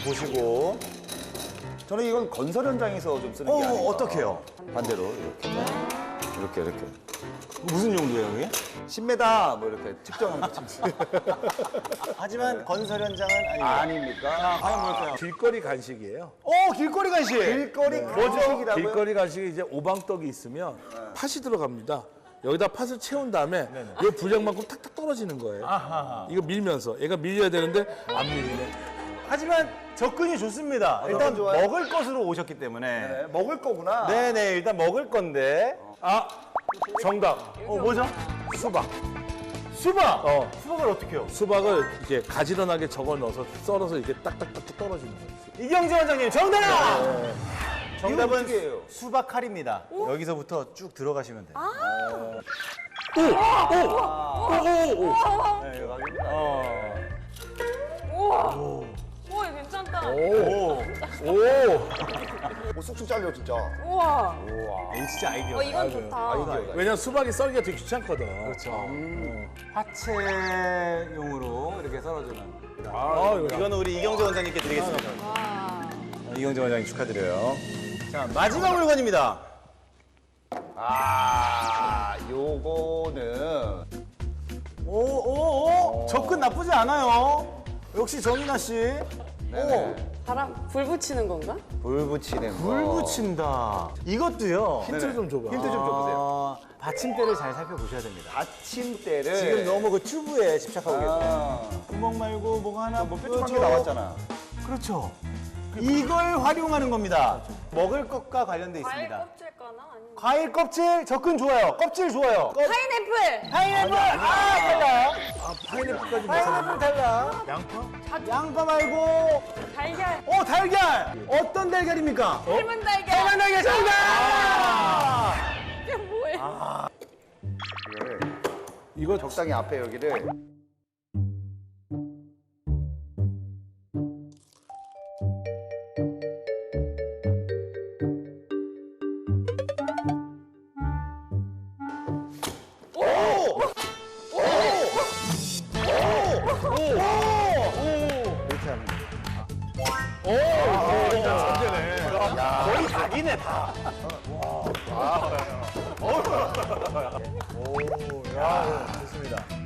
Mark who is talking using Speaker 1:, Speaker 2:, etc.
Speaker 1: 보시고.
Speaker 2: 저는 이건 건설 현장에서 좀 쓰는 게 아닌가.
Speaker 1: 어떻게요?
Speaker 2: 반대로 이렇게.
Speaker 1: 무슨 용도예요, 이게?
Speaker 2: 10m 뭐 이렇게 측정하는 거죠.
Speaker 1: 하지만 건설 현장은 아니에요.
Speaker 2: 아닙니까?
Speaker 1: 과연 뭘까요?
Speaker 3: 길거리 간식이에요.
Speaker 1: 길거리 간식.
Speaker 2: 길거리 간식이라고요?
Speaker 3: 길거리 간식이 이제 오방떡이 있으면 팥이 들어갑니다. 여기다 팥을 채운 다음에 이 분량만큼 탁탁 떨어지는 거예요.
Speaker 1: 아하.
Speaker 3: 이거 밀면서 얘가 밀려야 되는데 안 밀리네.
Speaker 1: 하지만 접근이 좋습니다. 일단
Speaker 2: 좋아요.
Speaker 1: 먹을 것으로 오셨기 때문에.
Speaker 2: 네, 먹을 거구나.
Speaker 1: 네네, 일단 먹을 건데.
Speaker 3: 정답.
Speaker 1: 뭐죠?
Speaker 3: 수박.
Speaker 1: 수박! 수박을 어떻게 해요?
Speaker 3: 수박을 이렇게 가지런하게 적어 넣어서 썰어서 이렇게 딱딱딱 떨어지는 거예요.
Speaker 1: 이경재 원장님, 정답!
Speaker 2: 이건
Speaker 1: 정답은
Speaker 2: 어떻게 해요?
Speaker 1: 수박 칼입니다. 여기서부터 쭉 들어가시면 돼요. 네,
Speaker 4: 우와. 우와, 이거 괜찮다.
Speaker 2: 쑥쑥 잘려 진짜.
Speaker 4: 우와.
Speaker 1: 이거 진짜 아이디어.
Speaker 4: 이건 좋다.
Speaker 3: 왜냐면 수박이 썰기가 되게 귀찮거든.
Speaker 1: 그렇죠. 화채용으로 이렇게 썰어주는. 이거는 우리 이경재 원장님께 드리겠습니다. 이경재 원장님 축하드려요. 자, 마지막 물건입니다.
Speaker 2: 요거는
Speaker 1: 접근 나쁘지 않아요. 역시 정인아 씨.
Speaker 4: 바람, 불 붙이는 건가?
Speaker 2: 불 붙이는 거.
Speaker 1: 불 붙인다. 이것도요.
Speaker 3: 힌트 좀 줘봐.
Speaker 2: 힌트 좀 줘보세요.
Speaker 1: 받침대를 잘 살펴보셔야 됩니다.
Speaker 2: 받침대를
Speaker 1: 지금 너무 그 튜브에 집착하고 계세요. 구멍 말고 뭐가 하나
Speaker 2: 뭐 뾰족한 게 나왔잖아.
Speaker 1: 그렇죠. 이걸 활용하는 겁니다. 먹을 것과 관련돼
Speaker 4: 과일
Speaker 1: 있습니다.
Speaker 4: 껍질 까나? 아니면
Speaker 1: 과일 껍질 접근 좋아요. 껍질 좋아요.
Speaker 4: 파인애플!
Speaker 1: 파인애플 달라.
Speaker 3: 파인애플까지
Speaker 1: 파인애플 달라.
Speaker 3: 양파?
Speaker 1: 양파 말고
Speaker 4: 달걀!
Speaker 1: 달걀. 어떤 달걀입니까?
Speaker 4: 삶은 달걀!
Speaker 1: 삶은 달걀 정답.
Speaker 4: 이게 뭐예요?
Speaker 2: 이거 적당히 앞에 여기를 이렇게 하면
Speaker 1: 거의 닭이네 다.
Speaker 3: 좋습니다.